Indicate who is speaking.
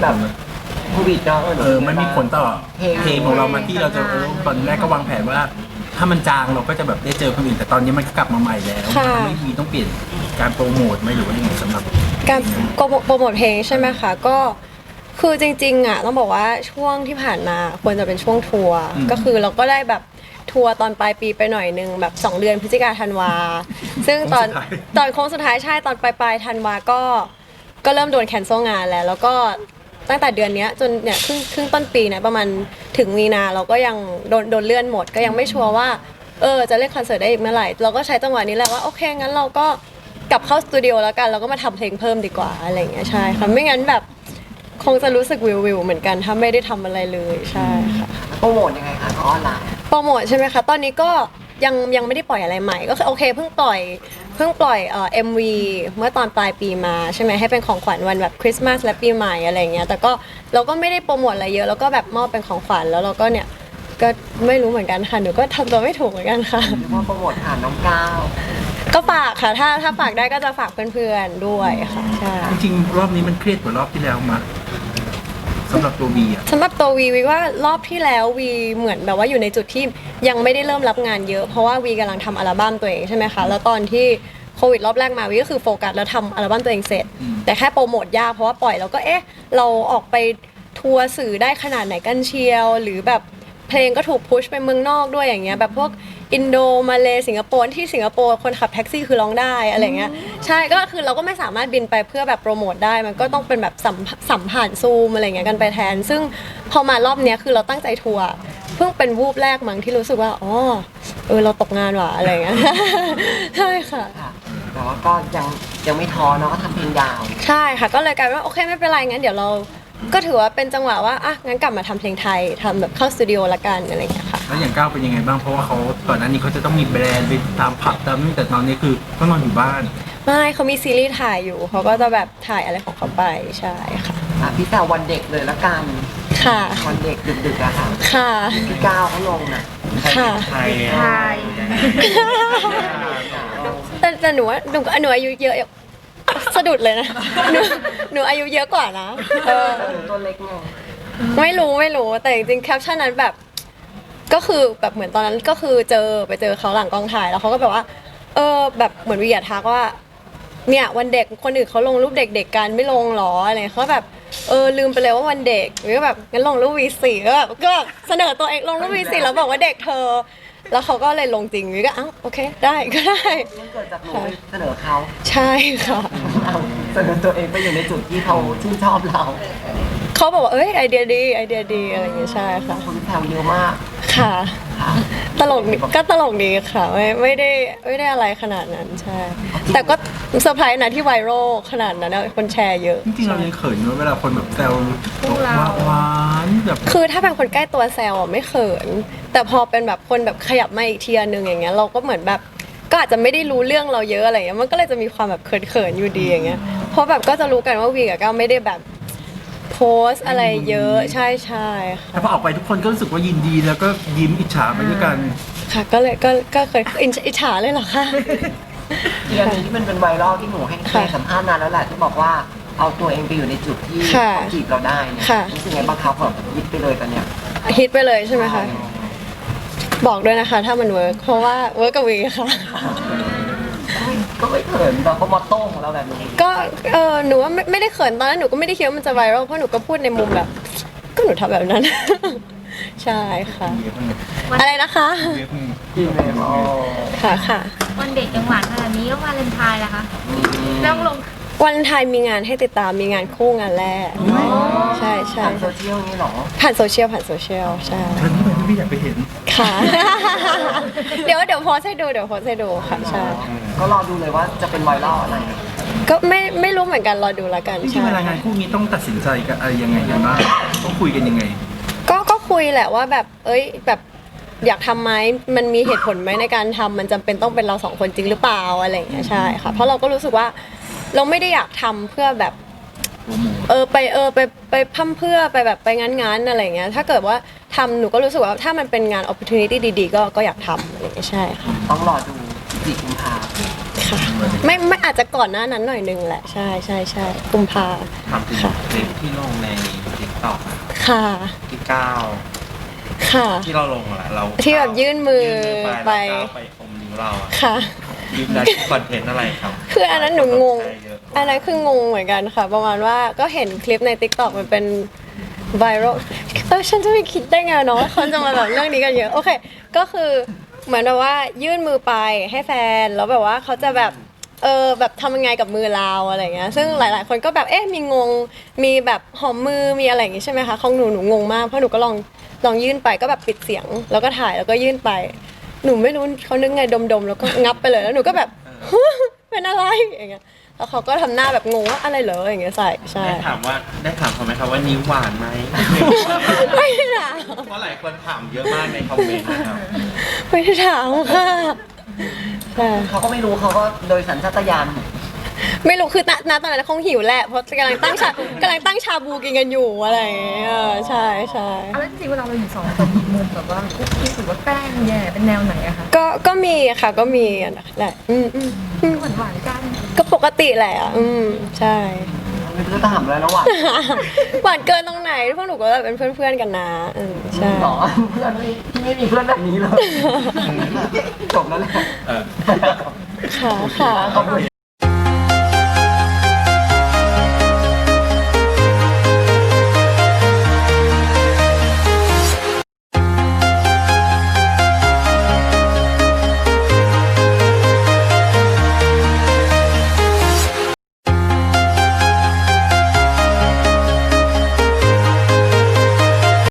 Speaker 1: แบบโควิดเนาะ
Speaker 2: มันมีผลต่อเพลงของเรามาที่เราจะตอนแรกก็วางแผนว่าถ้ามันจางเราก็จะแบบได้เจอคนอื่นแต่ตอนนี้มันก็กลับมาใหม่แล้วไม่มีต้องเปลี่ยนการโปรโมทไหมหรือว่ายังไงสำหรับ
Speaker 3: การโปรโมทเพลงใช่ไหมคะก็คือจริงๆอ่ะต้องบอกว่าช่วงที่ผ่านมาควรจะเป็นช่วงทัวร์ก็คือเราก็ได้แบบทัวร์ตอนปลายปีไปหน่อยนึงแบบ2เดือนพฤศจิกาธันวาซึ่งตอนโค้งสุดท้ายใช่ตอนปลายธันวาก็เริ่มโดนแคนเซิลงานแล้วก็ตั้งแต่เดือนนี้จนเนี่ยครึ่งต้นปีเนี่ยประมาณถึงมีนาเราก็ยังโดนเลื่อนหมดก็ยังไม่ชัวร์ว่าจะเล่นคอนเสิร์ตได้อีกเมื่อไหร่เราก็ใช้จังหวะนี้แหละว่าโอเคงั้นเราก็กลับเข้าสตูดิโอแล้วกันเราก็มาทำเพลงเพิ่มดีกว่าอะไรอย่างเงี้ยใช่ค่ะไม่งั้นแบบคงจะรู้สึกวิวเหมือนกันถ้าไม่ได้ทำอะไรเลยใช่ค่ะ
Speaker 1: โปรโมทยังไงคะออนไลน์
Speaker 3: โปรโมทใช่ไหมคะตอนนี้ก็ยังไม่ได้ปล่อยอะไรใหม่ก็คือโอเคเพิ่งปล่อยMV เมื่อตอนปลายปีมาใช่ไหมให้เป็นของขวัญวันแบบคริสต์มาสและปีใหม่อะไรเงี้ยแต่ก็เราก็ไม่ได้โปรโมทอะไรเยอะแล้วก็แบบมอบเป็นของขวัญแล้วเราก็เนี่ยก็ไม่รู้เหมือนกันค่ะหนูก็ทำตัวไม่ถูกเหมือนกันค่ะ
Speaker 1: เรียกว่าโปรโมทผ่านน้องก้าว
Speaker 3: ก็ฝากค่ะถ้าฝากได้ก็จะฝากเพื่อนๆด้วยค่ะใช่
Speaker 2: จริงๆรอบนี้มันเครียดกว่ารอบที่แล้วมาสำหรับตัววีอะ
Speaker 3: สำหรับตัววีว่ารอบที่แล้ววีเหมือนแบบว่าอยู่ในจุดที่ยังไม่ได้เริ่มรับงานเยอะเพราะว่าวีกำลังทำอัลบั้มตัวเองใช่ไหมคะแล้วตอนที่โควิดรอบแรกมาวีก็คือโฟกัสแล้วทำอัลบั้มตัวเองเสร็จแต่แค่โปรโมทยากเพราะว่าปล่อยแล้วก็เราออกไปทัวร์สื่อได้ขนาดไหนกันเชียวหรือแบบเพลงก็ถูกพุชไปเมืองนอกด้วยอย่างเงี้ยแบบพวกอินโดมาเลสิงคโปร์ที่สิงคโปร์คนขับแท็กซี่คือร้องได้อะไรเงี้ยใช่ก็คือเราก็ไม่สามารถบินไปเพื่อแบบโปรโมทได้มันก็ต้องเป็นแบบสัมผ่านซูมอะไรเงี้ยกันไปแทนซึ่งพอมารอบเนี้ยคือเราตั้งใจทัวร์เพิ่งเป็นวูบแรกมั้งที่รู้สึกว่าเราตกงานว่ะอะไรเงี้ยใช่ค่ะ
Speaker 1: แต่ว่าก็ยังไม่ท้อเนาะก็ทำเพลงยาว
Speaker 3: ใช่ค่ะก็เลยกลายเป็นว่าโอเคไม่เป็นไรงั้นเดี๋ยวเราก็ถือว่าเป็นจังหวะว่างั้นกลับมาทำเพลงไทยทำแบบเข้าสตูดิโอละกันอะไรอย่างเงี้ยค่ะ
Speaker 2: แล้วอย่างก้าวเป็นยังไงบ้างเพราะว่าเขาก่อนหน้านี้เขาจะต้องมีแบรนด์ไปตามผับตามนี่แต่ตอนนี้คือก็นอนอยู่บ้าน
Speaker 3: ไม่เขามีซีรีส์ถ่ายอยู่เขาก็จะแบบถ่ายอะไรของเขาไปใช่ค่ะ
Speaker 1: พี่แซววันเด็กเลยละกัน
Speaker 3: ค่ะ
Speaker 1: วันเด็กดึกๆอะค่ะ
Speaker 3: ค่ะ
Speaker 1: พี่ก้าวเขาลงน่ะ
Speaker 3: ค่ะ
Speaker 1: ไทย
Speaker 3: แต่หนูว่าหนูอายุเยอะสะดุดเลยนะหนูอายุเยอะกว่านะ
Speaker 1: ตัวเล็กไง
Speaker 3: ไม่รู้แต่จริงๆแคปชั่นนั้นแบบก็คือแบบเหมือนตอนนั้นก็คือไปเจอเขาหลังกองถ่ายแล้วเขาก็แบบว่าแบบเหมือนวิยาทักว่าเนี่ยวันเด็กคนอื่นเขาลงรูปเด็กๆกันไม่ลงหรออะไรเขาแบบลืมไปเลยว่าวันเด็กหรือแบบงั้นลงรูปวี4ก็แบบเสนอตัวเองลงรูปวี4แล้วบอกว่าเด็กเธอแล้วเขาก็เลยลงจริงวิก็โอเคได้ก็ได้
Speaker 1: เกิดจากหนูเสนอเขา
Speaker 3: ใช่ค่ะ
Speaker 1: เสนอตัวเองไปอยู่ในจุดที่เขาชื่นชอบเรา
Speaker 3: เขาบอกว่าไอเดียดีอะไรอย่างเงี้ยใช่ค่ะ
Speaker 1: คนแซวเยอะมาก
Speaker 3: ค่ะตลกก็ตลกดีค่ะไม่ได้อะไรขนาดนั้นใช่แต่ก็เซอร์ไพรส์นะที่ไวรัลขนาดนั้นคนแชร์เยอะ
Speaker 2: จริงๆเรายังเขินเวลาคนแบบแซวหวานแบบ
Speaker 3: คือถ้าเป็นคนใกล้ตัวแซวไม่เขินแต่พอเป็นแบบคนแบบขยับมาอีกทีนึงอย่างเงี้ยเราก็เหมือนแบบก็อาจจะไม่ได้รู้เรื่องเราเยอะอะไรเงี้ยมันก็เลยจะมีความแบบเขินอยู่ดีอย่างเงี้ยเพราะแบบก็จะรู้กันว่าวีกับก้าวไม่ได้แบบโพสอะไรเยอะใช่
Speaker 2: แต่พอออกไปทุกคนก็รู้สึกว่ายินดีแล้วก็ยิ้มอิจฉาไปด้วยกัน
Speaker 3: ค่ะก็เลยก็เคยอิจฉาเลยเหรอคะ
Speaker 1: ที่อันนี้ที่มันเป็นไวรัลที่หนูให้สัมภาษณ์นานแล้วแหละที่บอกว่าเอาตัวเองไปอยู่ในจุดที่เขาจีบเราได้เนี่ยรู้สึกไงบ้างครับแบบฮิตไปเลยตอนเนี้ย
Speaker 3: ฮิตไปเลยใช่ไหมคะบอกด้วยนะคะถ้ามันเวิร์กเพราะว่าเวิร์กกับวีค่ะ
Speaker 1: ก็ไม่เขินเราก็มอตโต้ของเราแบบนี้
Speaker 3: ก็หนูว่าไม่ได้เขินตอนนั้นหนูก็ไม่ได้คิดว่ามันจะไวรัลเพราะหนูก็พูดในมุมแบบก็หนูทำแบบนั้นใช่ค่ะอะไรนะคะ
Speaker 1: จริงเลย
Speaker 3: ค่ะ
Speaker 4: วันเด็กยังหวานขนาดนี้ก็วาเลนไทน์ล่ะคะต้องลง
Speaker 3: วันไทยมีงานให้ติดตามมีงานคู่งานแรกใช่
Speaker 1: ผ่านโซเชียลนี่หรอ
Speaker 3: ผ่านโซเชียลใช่
Speaker 2: ท่านนี้ไปพี่อยากไปเห็น
Speaker 3: ค่ะเดี๋ยวโพสให้ดูค่ะใช่
Speaker 1: ก็รอดูเลยว่าจะเป็นไวรัลอะไร
Speaker 3: ก็ไม่รู้เหมือนกันรอดูแล้วกัน
Speaker 2: จริงๆเวลางานคู่นี้ต้องตัดสินใจกันอะไรยังไงกันบ้างต้องคุยกันยังไง
Speaker 3: ก็คุยแหละว่าแบบแบบอยากทำไหมมันมีเหตุผลไหมในการทำมันจำเป็นต้องเป็นเรา2คนจริงหรือเปล่าอะไรอย่างเงี้ยใช่ค่ะเพราะเราก็รู้สึกว่าเราไม่ได้อยากทำเพื่อแบบไปพั่มเพื่อไปแบบไปงั้นอะไรเงี้ยถ้าเกิดว่าทำหนูก็รู้สึกว่าถ้ามันเป็นงาน opportunity ดีๆก็อยากทำอะไรเงี้ยใช่ค่ะ
Speaker 1: ต้องรอดู4 กุมภาพันธ์
Speaker 3: คค่ะไม่อาจจะก่อนหน้านั้นหน่อยนึงแหละใช่กุมภา
Speaker 5: ถามถึงคลิปที่ลงใน TikTok
Speaker 3: ค่ะ
Speaker 5: ที่ก้าว
Speaker 3: ค่ะ
Speaker 5: ที่เราลงอะเรา
Speaker 3: ที่แบบยื่นมือไป
Speaker 5: แล้วก้าวไปอมนิ้วเราอะ
Speaker 3: ค่ะ
Speaker 5: คลิปนั้นคอนเทนต์อะไรครับ
Speaker 3: คืออันนั้นหนูงง
Speaker 5: แชร์เยอะ
Speaker 3: อันนั้นคืองงเหมือนกันค่ะ ประมาณว่าก็เห็นคลิปใน TikTok มันเป็นไวรัลฉันจะไม่คิดได้ไงเนาะว่าคนจะมาแบบเรื่องนี้กันเยอะ โอเค ก็คือเหมือนแบบว่ายื่นมือไปให้แฟน แล้วแบบว่าเขาจะแบบแบบทำยังไงกับมือเราอะไรเงี้ย ซึ่งหลาย ๆ คนก็แบบมีงง มีแบบหอมมือ มีอะไรอย่างงี้ใช่ไหมคะของหนูงงมาก เพราะหนูก็ลองยื่นไปก็แบบปิดเสียง แล้วก็ถ่ายแล้วก็ยื่นไป หนูไม่รู้เขานึกไงดมๆแล้วก็งับไปเลย แล้วหนูก็แบบ เป็นอะไรอย่างเงี้ย แล้วเขาก็ทำหน้าแบบงงว่าอะไรเหรออย่างเงี้ยใช่
Speaker 5: ได้ถามเขาไหมครับว่านิ้วหวานไหม
Speaker 3: ไม่ได้ถาม
Speaker 5: เพราะหลายคนถามเยอะมากในคอมเมนต์นะครับ
Speaker 3: ไม่ได้ถามค่ะใช่
Speaker 1: เขาก็ไม่รู้เขาก็โดยสัญชาตญาณ
Speaker 3: ไม่รู้คือณตอนนั้นคงหิวแหละเพราะกำลังตั้งชาบูกินกันอยู่อะไรอย่างเงี้ยใช่
Speaker 4: เอาแล้วจริงๆเวลาเราอยู่สองคนมีมุมแบบว่าคุกกี้หรือว่าแกล้งแย่เป็นแนวไหนอะคะ
Speaker 3: ก็มีค่ะก็มีแหละ
Speaker 4: หวานๆกัน
Speaker 3: ก็ปกติแหละใช่
Speaker 1: ไม่รู้จะถามอะไรแล้วว่ะ
Speaker 3: หวานเกินตรงไหนพวกหนูก็แบบเป็นเพื่อนๆกันนะใช่
Speaker 1: หรอเพื่อนไม่มีเพื่อนแบบนี้เลยจบแล้วแหละ
Speaker 3: ค่ะ
Speaker 1: ขอบคุณ